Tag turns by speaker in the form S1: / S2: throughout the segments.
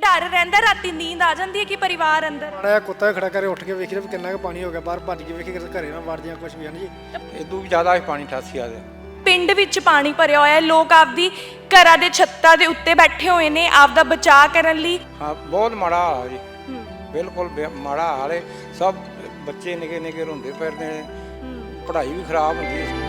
S1: डर रहता राती नींद आ जाती है कि परिवार अंदर
S2: माड़ा कुत्ता खड़ा करे उठ के वेख रहे किन्ना कुछ पानी हो गया बाहर भज के वेखे घरे ना वड़ जाए कुछ भी है ना जी
S3: इदू भी ज़्यादा पानी 88 आ
S1: ਪਿੰਡ ਵਿੱਚ ਪਾਣੀ ਭਰਿਆ ਹੋਇਆ ਹੈ ਲੋਕ ਆਪਦੀ ਘਰਾਂ ਦੇ ਛੱਤਾਂ ਦੇ ਉੱਤੇ ਬੈਠੇ ਹੋਏ ਨੇ ਆਪਦਾ ਬਚਾਅ ਕਰਨ ਲਈ
S3: हाँ बहुत माड़ा हाल है जी बिल्कुल माड़ा हाल है सब बच्चे निके निके रोंदे फिरदे ने पढ़ाई भी खराब होंदी है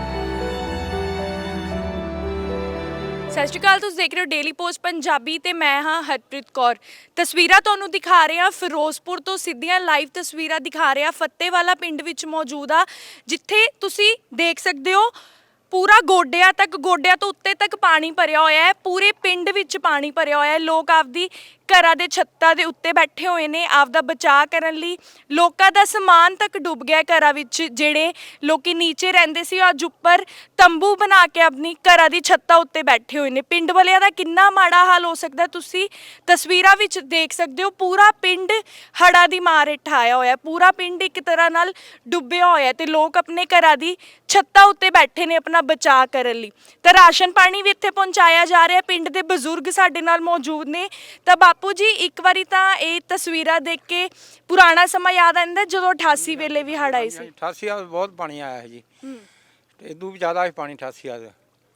S1: ਸਤਿ ਸ਼੍ਰੀ ਅਕਾਲ ਤੁਸੀਂ ਦੇਖ ਰਹੇ ਹੋ ਡੇਲੀ ਪੋਸਟ ਪੰਜਾਬੀ ਤੇ ਮੈਂ ਹਾਂ ਹਰਪ੍ਰੀਤ ਕੌਰ ਤਸਵੀਰਾਂ ਤੁਹਾਨੂੰ ਦਿਖਾ ਰਹੇ ਹਾਂ ਫਿਰੋਜ਼ਪੁਰ ਤੋਂ ਸਿੱਧੀਆਂ ਲਾਈਵ ਤਸਵੀਰਾਂ ਦਿਖਾ ਰਹੇ ਹਾਂ ਫੱਤੇਵਾਲਾ ਪਿੰਡ ਵਿੱਚ ਮੌਜੂਦ ਆ ਜਿੱਥੇ ਤੁਸੀਂ ਦੇਖ ਸਕਦੇ ਹੋ ਪੂਰਾ ਗੋਡਿਆਂ ਤੋਂ ਉੱਤੇ ਤੱਕ ਪਾਣੀ ਭਰਿਆ ਹੋਇਆ ਹੈ ਪੂਰੇ ਪਿੰਡ ਵਿੱਚ ਪਾਣੀ ਭਰਿਆ ਹੋਇਆ ਹੈ ਲੋਕ ਆਪਦੀ ਘਰਾਂ ਦੇ ਛੱਤਾਂ ਦੇ ਉੱਤੇ ਬੈਠੇ ਹੋਏ ਨੇ ਆਪਦਾ ਬਚਾਅ ਕਰਨ ਲਈ ਲੋਕਾਂ ਦਾ ਸਮਾਨ ਤੱਕ ਡੁੱਬ ਗਿਆ ਘਰਾਂ ਵਿੱਚ ਜਿਹੜੇ ਲੋਕੀ ਨੀਚੇ ਰਹਿੰਦੇ ਸੀ ਅੱਜ ਉੱਪਰ ਤੰਬੂ ਬਣਾ ਕੇ ਆਪਣੀ ਘਰਾਂ ਦੀ ਛੱਤਾਂ ਉੱਤੇ ਬੈਠੇ ਹੋਏ ਨੇ ਪਿੰਡ ਵਾਲਿਆਂ ਦਾ ਕਿੰਨਾ ਮਾੜਾ ਹਾਲ ਹੋ ਸਕਦਾ ਤੁਸੀਂ ਤਸਵੀਰਾਂ ਵਿੱਚ ਦੇਖ ਸਕਦੇ ਹੋ ਪੂਰਾ ਪਿੰਡ ਹੜ੍ਹਾਂ ਦੀ ਮਾਰ ਹੇਠ ਆਇਆ ਹੋਇਆ ਪੂਰਾ ਪਿੰਡ ਇੱਕ ਤਰ੍ਹਾਂ ਨਾਲ ਡੁੱਬਿਆ ਹੋਇਆ ਤੇ ਲੋਕ ਆਪਣੇ ਘਰਾਂ ਦੀ ਛੱਤਾਂ ਉੱਤੇ ਬੈਠੇ ਨੇ ਆਪਣਾ ਬਚਾਅ ਕਰਨ ਲਈ ਤਾਂ ਰਾਸ਼ਨ ਪਾਣੀ ਵੀ ਇੱਥੇ ਪਹੁੰਚਾਇਆ ਜਾ ਰਿਹਾ ਪਿੰਡ ਦੇ ਬਜ਼ੁਰਗ ਸਾਡੇ ਨਾਲ ਮੌਜੂਦ ਨੇ ਤਾਂ ਬਾਪੂ ਜੀ ਇੱਕ ਵਾਰੀ ਤਾਂ ਇਹ ਤਸਵੀਰਾਂ ਦੇਖ ਕੇ ਪੁਰਾਣਾ ਸਮਾਂ ਯਾਦ ਆਉਂਦਾ ਜਦੋਂ 88 ਵੇਲੇ ਵੀ ਹੜ੍ਹ ਆਈ ਸੀ
S3: 88 ਆ बहुत पानी आया है जी इदू भी ज़्यादा पानी 88 आ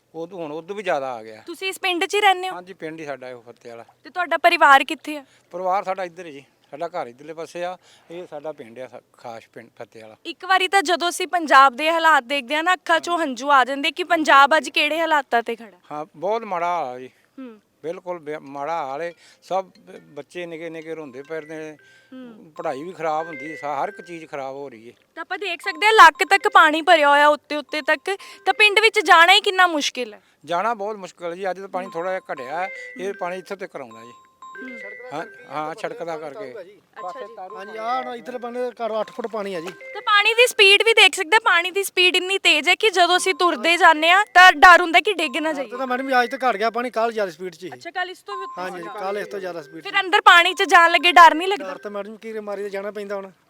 S3: उदू भी ज़्यादा आ गया
S1: ਤੁਸੀਂ ਇਸ ਪਿੰਡ 'ਚ ਹੀ ਰਹਿੰਦੇ ਹੋ
S3: हाँ जी पिंड ही साडा है फत्ते वाला
S1: ਤੇ ਤੁਹਾਡਾ ਪਰਿਵਾਰ ਕਿੱਥੇ ਆ
S3: परिवार साडा इधर है जी साडा घर इधरले पासे आ ये साडा पिंड आ खास पिंड फत्ते वाला
S1: ਇੱਕ ਵਾਰੀ ਤਾਂ ਜਦੋਂ ਅਸੀਂ ਪੰਜਾਬ ਦੇ ਹਾਲਾਤ ਦੇਖਦੇ ਆ ਨਾ ਅੱਖਾਂ 'ਚੋਂ ਹੰਝੂ ਆ ਜਾਂਦੇ ਕਿ ਪੰਜਾਬ ਅੱਜ ਕਿਹੜੇ ਹਾਲਾਤਾਂ ਤੇ ਖੜਾ
S3: हाँ बहुत माड़ा हाल है जी
S1: ਹੂੰ
S3: बिल्कुल माड़ा हाल है सब बच्चे निके निके रोंदे फिरदे ने पढ़ाई भी खराब होंदी है हर एक चीज़ खराब हो रही है
S1: ਤਾਂ ਆਪਾਂ ਦੇਖ ਸਕਦੇ ਆ ਲੱਕ ਤੱਕ ਪਾਣੀ ਭਰਿਆ ਹੋਇਆ ਉੱਤੇ ਤੱਕ ਤਾਂ ਪਿੰਡ ਵਿੱਚ ਜਾਣਾ ਹੀ ਕਿੰਨਾ ਮੁਸ਼ਕਿਲ ਹੈ
S3: जाना बहुत मुश्किल है जी अज तो पानी थोड़ा जिहा घटिया है ये पानी इत्थे तक आउंदा जी हाँ हाँ सड़क दा करके
S2: हाँ जी आ इधर बने घर 8 फुट पानी है जी
S1: ਤਾਂ ਪਾਣੀ ਦੀ ਸਪੀਡ ਵੀ ਦੇਖ ਸਕਦੇ ਆ ਪਾਣੀ ਦੀ ਸਪੀਡ ਇੰਨੀ ਤੇਜ਼ ਹੈ ਕਿ ਜਦੋਂ ਅਸੀਂ ਤੁਰਦੇ ਜਾਂਦੇ ਆ ਤਾਂ ਡਰ ਹੁੰਦਾ ਕਿ ਡਿੱਗ ਨਾ ਜਾਈਏ
S2: तो मैडम जी आज तो घट गया पानी कल ज्यादा स्पीड ची
S1: ਅੱਛਾ ਕੱਲ ਇਸ ਤੋਂ ਵੀ ਉੱਤੇ
S2: हाँ जी कल इस तो ज्यादा स्पीड
S1: ਫਿਰ ਅੰਦਰ ਪਾਣੀ 'ਚ ਜਾਣ ਲੱਗੇ ਡਰ ਨਹੀਂ ਲੱਗਦਾ
S2: डर तो मैडम की मारी ते जाना पैंदा हुण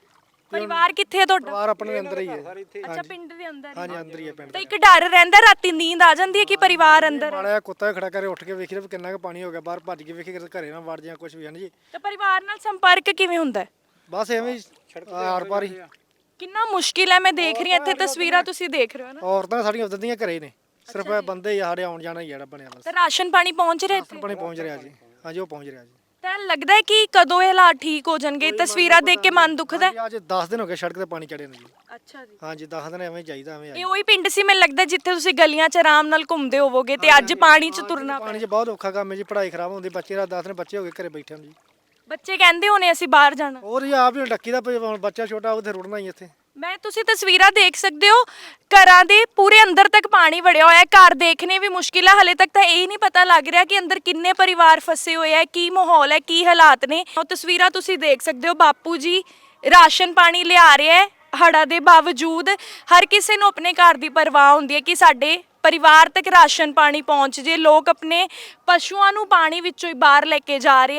S1: ਪਰਿਵਾਰ ਕਿੱਥੇ ਹੈ ਤੁਹਾਡਾ
S2: परिवार अपने अंदर ही है
S1: ਅੱਛਾ ਪਿੰਡ ਦੇ ਅੰਦਰ
S2: हाँ जी अंदर ही है पिंड
S1: ਤਾਂ ਇੱਕ ਡਰ ਰਹਿੰਦਾ ਰਾਤੀ ਨੀਂਦ ਆ ਜਾਂਦੀ ਹੈ ਕਿ ਪਰਿਵਾਰ ਅੰਦਰ ਹੈ।
S2: माड़ा कुत्ता खड़ा करे उठ के वेख रहे किन्ना कुछ पानी हो गया बाहर भज के वेखे घरे ना वड़ जाए कुछ भी है ना जी
S1: ਤਾਂ ਪਰਿਵਾਰ ਨਾਲ ਸੰਪਰਕ ਕਿਵੇਂ ਹੁੰਦਾ ਹੈ
S2: बस एवें आर पार ही
S1: ਕਿੰਨਾ ਮੁਸ਼ਕਿਲ ਹੈ ਮੈਂ ਦੇਖ ਰਹੀ ਹਾਂ ਇੱਥੇ ਤਸਵੀਰਾਂ ਤੁਸੀਂ ਦੇਖ ਰਹੇ ਹੋ ਨਾ
S2: औरतां साड़ियां उधर दियां घरे ने सिर्फ बंदे ही साढ़े आउण जाना ही जेड़ा बनया बस
S1: ਤਾਂ ਰਾਸ਼ਨ ਪਾਣੀ ਪਹੁੰਚ ਰਿਹਾ ਇੱਥੇ
S2: पानी पहुंच रहा जी हाँ जी वो पहुंच रहा जी
S1: ਤਾਂ ਲੱਗਦਾ ਹੈ ਕਿ ਕਦੋਂ ਇਹ ਹਾਲਾਤ ਠੀਕ ਹੋ ਜਾਣਗੇ ਤਸਵੀਰਾਂ ਦੇਖ ਕੇ ਮਨ ਦੁਖਦਾ ਹੈ
S2: आज 10 दिन हो गए सड़क ते पानी चढ़े ने जी
S1: ਅੱਛਾ ਜੀ
S2: हाँ जी 10 दिन एवें चाहिदा एवें
S1: ਇਹ ਉਹੀ ਪਿੰਡ ਸੀ ਮੈਨੂੰ ਲੱਗਦਾ ਜਿੱਥੇ ਤੁਸੀਂ ਗਲੀਆਂ 'ਚ ਆਰਾਮ ਨਾਲ ਘੁੰਮਦੇ ਹੋਵੋਗੇ ਤੇ ਅੱਜ ਪਾਣੀ 'ਚ ਤੁਰਨਾ
S2: पानी च बहुत औखा काम है जी पढ़ाई खराब होंदी बच्चे रात 10 दिन बच्चे हो गए घरे बैठे जी
S1: ਬੱਚੇ ਕਹਿੰਦੇ ਹੋਣੇ ਅਸੀਂ ਬਾਹਰ ਜਾਣਾ
S2: और जी आप भी डक्की दा हुण बच्चा छोटा उथे रुड़ना ही इत्थे
S1: ਮੈਂ ਤੁਸੀਂ ਤਸਵੀਰਾਂ ਦੇਖ ਸਕਦੇ ਹੋ ਘਰਾਂ ਦੇ ਪੂਰੇ ਅੰਦਰ ਤੱਕ ਪਾਣੀ ਵੜਿਆ ਹੋਇਆ ਹੈ ਘਰ ਦੇਖਣੇ ਵੀ ਮੁਸ਼ਕਿਲ ਹੈ ਹਲੇ ਤੱਕ ਤਾਂ ਇਹ ਨਹੀਂ ਪਤਾ ਲੱਗ ਰਿਹਾ ਕਿ ਅੰਦਰ ਕਿੰਨੇ ਪਰਿਵਾਰ ਫਸੇ ਹੋਏ ਹੈ ਕੀ ਮਾਹੌਲ ਹੈ ਕੀ ਹਾਲਾਤ ਨੇ ਉਹ ਤਸਵੀਰਾਂ ਤੁਸੀਂ ਦੇਖ ਸਕਦੇ ਹੋ ਬਾਪੂ ਜੀ ਰਾਸ਼ਨ ਪਾਣੀ ਲਿਆ ਰਹੇ ਹੈ ਹੜ੍ਹਾਂ ਦੇ ਬਾਵਜੂਦ ਹਰ ਕਿਸੇ ਨੂੰ ਆਪਣੇ ਘਰ ਦੀ ਪਰਵਾਹ ਹੁੰਦੀ ਹੈ ਕਿ ਸਾਡੇ ਪਰਿਵਾਰ ਤੱਕ ਰਾਸ਼ਨ ਪਾਣੀ ਪਹੁੰਚ ਜੇ ਲੋਕ ਆਪਣੇ ਪਸ਼ੂਆਂ ਨੂੰ ਪਾਣੀ ਵਿੱਚੋਂ ਹੀ ਬਾਹਰ ਲੈ ਕੇ ਜਾ ਰਹੇ